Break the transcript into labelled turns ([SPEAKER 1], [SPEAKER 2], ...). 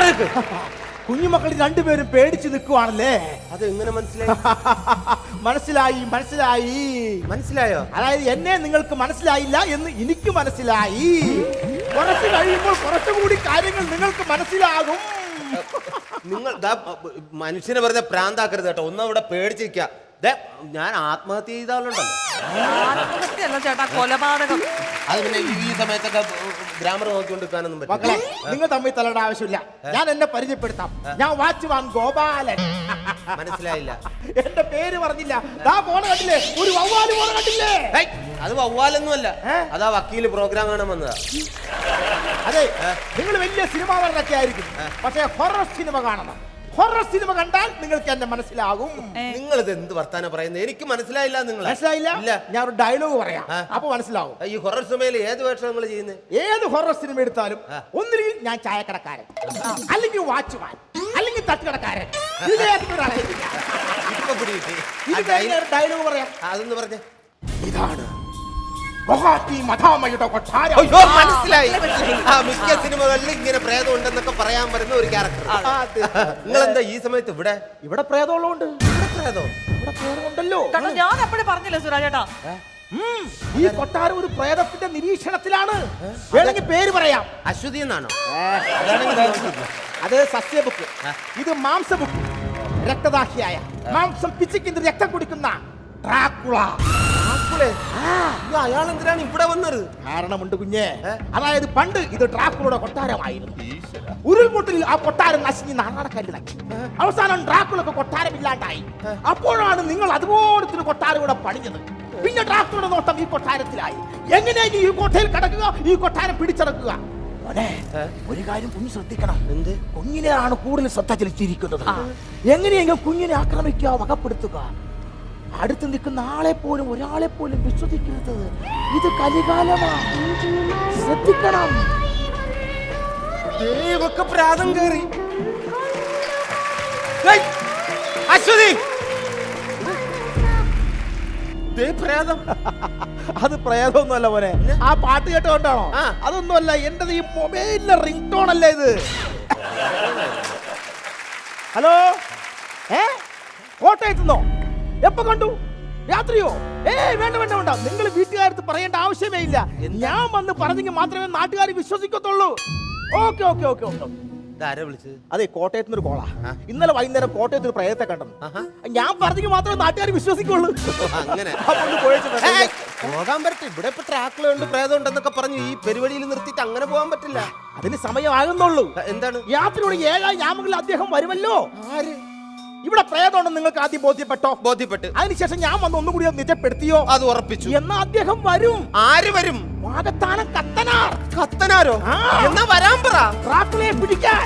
[SPEAKER 1] മാറിക്ക്.
[SPEAKER 2] കുഞ്ഞുമക്കൾ രണ്ടുപേരും പേടിച്ച് നിൽക്കുവാണല്ലേ?
[SPEAKER 1] അത് എങ്ങനെ മനസ്സിലായി?
[SPEAKER 2] മനസ്സിലായി മനസ്സിലായി
[SPEAKER 1] മനസ്സിലായോ?
[SPEAKER 2] അതായത് എന്നെ നിങ്ങൾക്ക് മനസ്സിലായില്ല എന്ന് എനിക്ക് മനസ്സിലായി. കുറച്ച് കഴിയുമ്പോൾ കുറച്ചുകൂടി കാര്യങ്ങൾ നിങ്ങൾക്ക് മനസ്സിലാകും.
[SPEAKER 1] നിങ്ങൾ മനുഷ്യനെ വെറുതെ പ്രാന്താക്കരുത് കേട്ടോ. ഒന്നവിടെ പേടിച്ചിരിക്ക. ഞാൻ ആത്മഹത്യ ചെയ്താലുണ്ടല്ലോ.
[SPEAKER 3] ആത്മഹത്യയല്ല ചേട്ടാ, കൊലപാതകം.
[SPEAKER 1] അത് പിന്നെ ഈ സമയത്തൊക്കെ ഗ്രാമർ നോക്കിക്കൊണ്ടിരിക്കാനൊന്നും പറ്റില്ല.
[SPEAKER 2] മക്കളെ, നിങ്ങൾ തമ്മിൽ തലയുടെ ആവശ്യമില്ല. ഞാൻ എന്നെ പരിചയപ്പെടുത്താം. ഞാൻ വാച്ച്മാൻ ഗോപാലൻ.
[SPEAKER 1] മനസ്സിലായില്ല.
[SPEAKER 2] എന്റെ പേര് പറഞ്ഞില്ല. ദാ പോണ കണ്ടില്ലേ, ഒരു വവ്വാല് പോണ കണ്ടില്ലേ?
[SPEAKER 1] അത് വവ്വാലൊന്നുമല്ല, അതാ വക്കീല് പ്രോഗ്രാം കാണാൻ വന്നതാ.
[SPEAKER 2] അതെ, നിങ്ങൾ വലിയ സിനിമ നടനൊക്കെ ആയിരിക്കും, പക്ഷേ ഹൊറർ സിനിമ കാണണം. ഹൊറർ സിനിമ കണ്ടാൽ നിങ്ങൾക്ക് എന്നെ മനസ്സിലാകും.
[SPEAKER 1] നിങ്ങൾ ഇത് എന്ത് വർത്താനം പറയുന്നത്? എനിക്ക് മനസ്സിലായില്ല. നിങ്ങൾ
[SPEAKER 2] മനസ്സിലായില്ല? ഞാൻ ഒരു ഡയലോഗ് പറയാം, അപ്പൊ മനസ്സിലാവും.
[SPEAKER 1] ഈ ഹൊറർ സിനിമയിൽ ഏത് വേഷം നിങ്ങൾ ചെയ്യുന്നത്?
[SPEAKER 2] ഏത് ഹൊറർ സിനിമ എടുത്താലും ഒന്നുകിൽ ഞാൻ ചായക്കടക്കാരൻ, അല്ലെങ്കിൽ വാച്ച്മാൻ, അല്ലെങ്കിൽ തട്ടുകടക്കാരൻ. ഡയലോഗ് പറയാം.
[SPEAKER 1] അതൊന്ന് പറഞ്ഞേ.
[SPEAKER 2] ഇതാണ് മഹാമയുടെ കൊട്ടാരം.
[SPEAKER 1] മനസ്സിലായി. മിക്ക സിനിമകളിൽ ഇങ്ങനെ പ്രേതം ഉണ്ടെന്നൊക്കെ പറയാൻ വരുന്ന ഒരു ക്യാരക്ടർ. നിങ്ങൾ എന്താ ഈ സമയത്ത് ഇവിടെ?
[SPEAKER 2] ഇവിടെ പ്രേതമുള്ളതുകൊണ്ട്.
[SPEAKER 1] പ്രേതം
[SPEAKER 2] ഇവിടെ പ്രേതമുണ്ടല്ലോ.
[SPEAKER 3] ഞാൻ എപ്പോഴും പറഞ്ഞില്ലേ സുരാജേട്ടാ,
[SPEAKER 2] ഈ കൊട്ടാരം ഒരു പ്രേതത്തിന്റെ നിരീക്ഷണത്തിലാണ്. വേണമെങ്കിൽ പേര് പറയാം.
[SPEAKER 1] അശ്വതി എന്നാണോ?
[SPEAKER 2] അത് സസ്യബുക്ക്, ഇത് മാംസബുക്ക്. രക്തദാഹിയായ മാംസം പിച്ചിക്കുന്ന രക്തം കുടിക്കുന്ന ഡ്രാക്കുള.
[SPEAKER 1] അയാൾ എന്തിനാണ് ഇവിടെ വന്നത്?
[SPEAKER 2] കാരണമുണ്ട് കുഞ്ഞെ. അതായത് പണ്ട് ഇത് ഡ്രാക്കുളയുടെ കൊട്ടാരമായിരുന്നു. ഉരുൾപൊട്ടലിൽ ആ കൊട്ടാരം നശിഞ്ഞ് നാണക്കല്ലിളക്കി. അവസാനം ഡ്രാക്കുളക്ക് കൊട്ടാരമില്ലാണ്ടായി. അപ്പോഴാണ് നിങ്ങൾ അതുപോലത്തെ ഒരു കൊട്ടാരം ഇവിടെ പണിഞ്ഞത്. പിന്നെ ഡ്രാക്കുളയുടെ നോട്ടം ഈ കൊട്ടാരത്തിലായി. എങ്ങനെയെങ്കിലും ഈ കോട്ടയിൽ കടക്കുക, ഈ കൊട്ടാരം പിടിച്ചടക്കുക. ഒരു കാര്യം കുഞ്ഞ് ശ്രദ്ധിക്കണം.
[SPEAKER 1] എന്ത്?
[SPEAKER 2] കുഞ്ഞിനെയാണ് കൂടുതൽ ശ്രദ്ധ ചെലുത്തിയിരിക്കുന്നത്. എങ്ങനെയെങ്കിലും കുഞ്ഞിനെ ആക്രമിക്കുക, വകപ്പെടുത്തുക. അടുത്ത് നിൽക്കുന്ന ആളെ പോലും ഒരാളെ പോലും വിശ്വസിക്കരുത്. ഇത് കലികാലമാണ്, ശ്രദ്ധിക്കണം.
[SPEAKER 1] പ്രാതം കേറി. അശ്വതി, പ്രേതം.
[SPEAKER 2] അത് പ്രേതമൊന്നുമല്ല മോനെ. ആ പാട്ട് കേട്ടോണ്ടാണോ? അതൊന്നുമല്ല, എന്റെ ഈ മൊബൈലിലെ റിംഗ് ടോൺ അല്ലേ ഇത്. ഹലോ, കോട്ടയത്തുനിന്നോ? എപ്പോ കണ്ടു? രാത്രിയോ? വേണ്ട വേണ്ട വേണ്ട, നിങ്ങൾ വീട്ടുകാരത്ത് പറയേണ്ട ആവശ്യമേ ഇല്ല. ഞാൻ വന്ന് പറഞ്ഞെങ്കിൽ മാത്രമേ നാട്ടുകാർ വിശ്വസിക്കത്തുള്ളൂ. Okay okay okay okay. അതെ, കോട്ടയത്ത് നിന്ന് ഒരു കോളാ. ഇന്നലെ വൈകുന്നേരം കോട്ടയത്ത് ഒരു പ്രേതത്തെ കണ്ടെന്ന്. ഞാൻ പറഞ്ഞെങ്കിൽ മാത്രമേ നാട്ടുകാർ വിശ്വസിക്കുള്ളൂ.
[SPEAKER 1] അങ്ങനെ പോകാൻ പറ്റും. ഇവിടെ ഇപ്പൊ ട്രാക്കുകളുണ്ട്, പ്രേതം ഉണ്ടെന്നൊക്കെ പറഞ്ഞു ഈ പരിപാടിയിൽ നിർത്തിയിട്ട് അങ്ങനെ പോകാൻ പറ്റില്ല.
[SPEAKER 2] അതിന് സമയമാകുന്നുള്ളൂ.
[SPEAKER 1] എന്താണ്?
[SPEAKER 2] യാത്രയുടെ 7 യാമങ്ങളിൽ അദ്ദേഹം വരുമല്ലോ. ആര്? ഇവിടെ പ്രേതമുണ്ടെന്ന് നിങ്ങൾക്ക് ആദ്യം ബോധ്യപ്പെട്ടോ?
[SPEAKER 1] ബോധ്യപ്പെട്ടു.
[SPEAKER 2] അതിനുശേഷം ഞാൻ വന്ന് ഒന്നും കൂടി നിജപ്പെടുത്തിയോ?
[SPEAKER 1] അത് ഉറപ്പിച്ചു.
[SPEAKER 2] എന്നാ അദ്ദേഹം വരും.
[SPEAKER 1] ആര് വരും?
[SPEAKER 2] വാഗത്താനം കത്തനാർ.
[SPEAKER 1] കത്തനാരോ? എന്നാ വരാൻ പറ.
[SPEAKER 2] ഡ്രാക്കുളയെ പിടിക്കാൻ.